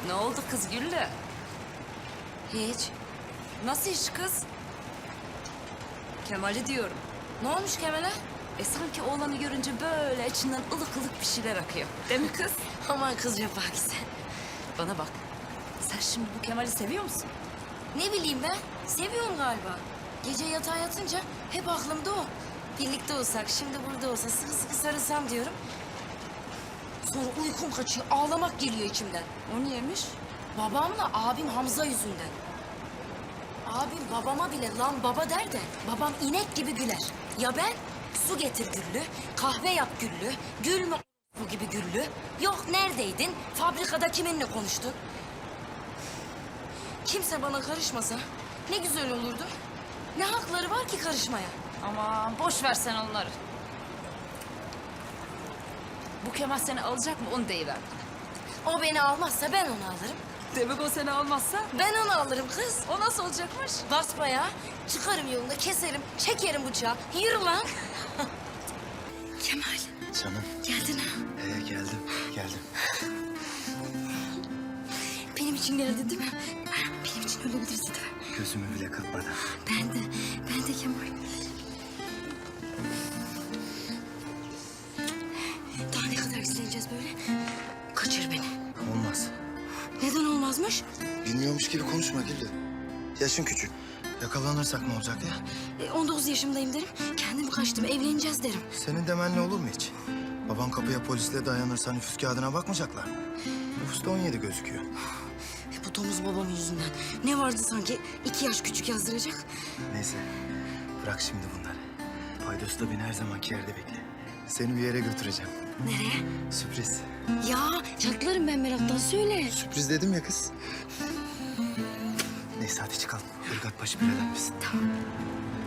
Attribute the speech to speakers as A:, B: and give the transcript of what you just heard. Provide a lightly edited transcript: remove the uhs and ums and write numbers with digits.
A: Ne oldu kız Güllü?
B: Hiç.
A: Nasıl iş kız? Kemal'i diyorum.
B: Ne olmuş Kemal'e?
A: Sanki oğlanı görünce böyle içinden ılık ılık bir şeyler akıyor. Değil mi kız?
B: Aman kız yapar ki sen.
A: Bana bak. Sen şimdi bu Kemal'i seviyor musun?
B: Ne bileyim ben. Seviyorum galiba. Gece yatağa yatınca hep aklımda o. Birlikte olsak, şimdi burada olsa sıkı sıkı sarılsam diyorum. Sonra uykum kaçıyor, ağlamak geliyor içimden.
A: O niyemiş?
B: Babamla abim Hamza yüzünden. Abim babama bile lan baba der de babam inek gibi güler. Ya ben? Su getir Güllü, kahve yap Güllü, gül mü bu gibi Güllü. Yok neredeydin, fabrikada kiminle konuştun? Kimse bana karışmasa ne güzel olurdu. Ne hakları var ki karışmaya?
A: Aman boş ver sen onları. Bu Kemal seni alacak mı onu deyiver.
B: O beni almazsa ben onu alırım.
A: Demek o seni almazsa
B: Ben onu alırım kız.
A: o nasıl olacakmış?
B: Basbayağı çıkarım yolunda, keserim, çekerim bıçağı. Yürü lan. Kemal,
C: Canım.
B: geldin ha.
C: Geldim.
B: Benim için geldin değil mi? Benim için ölebilirsin değil mi?
C: Gözümü bile kırpmadan.
B: Ben de Kemal. Daha ne kadar izleyeceğiz böyle? Kaçır beni.
C: Olmaz.
B: Neden olmazmış?
C: Bilmiyormuş gibi konuşma Güllü. Yaşın küçük. Yakalanırsak ne olacak ya?
B: 19 yaşımdayım derim. Kendim kaçtım, evleneceğiz derim.
C: Senin demenle olur mu hiç? Baban kapıya polisle dayanırsa nüfus kağıdına bakmayacaklar. Nüfusta 17 gözüküyor.
B: Bu domuz babam yüzünden. Ne vardı sanki 2 yaş küçük yazdıracak?
C: Neyse. Bırak şimdi bunları. Paydos da beni her zamanki yerde bekle. Seni bir yere götüreceğim.
B: Nereye?
C: Sürpriz.
B: Ya çatlarım ben meraktan, söyle.
C: Sürpriz dedim ya kız. Neyse hadi çıkalım. Irgat başı bir elenmesin.
B: Tamam.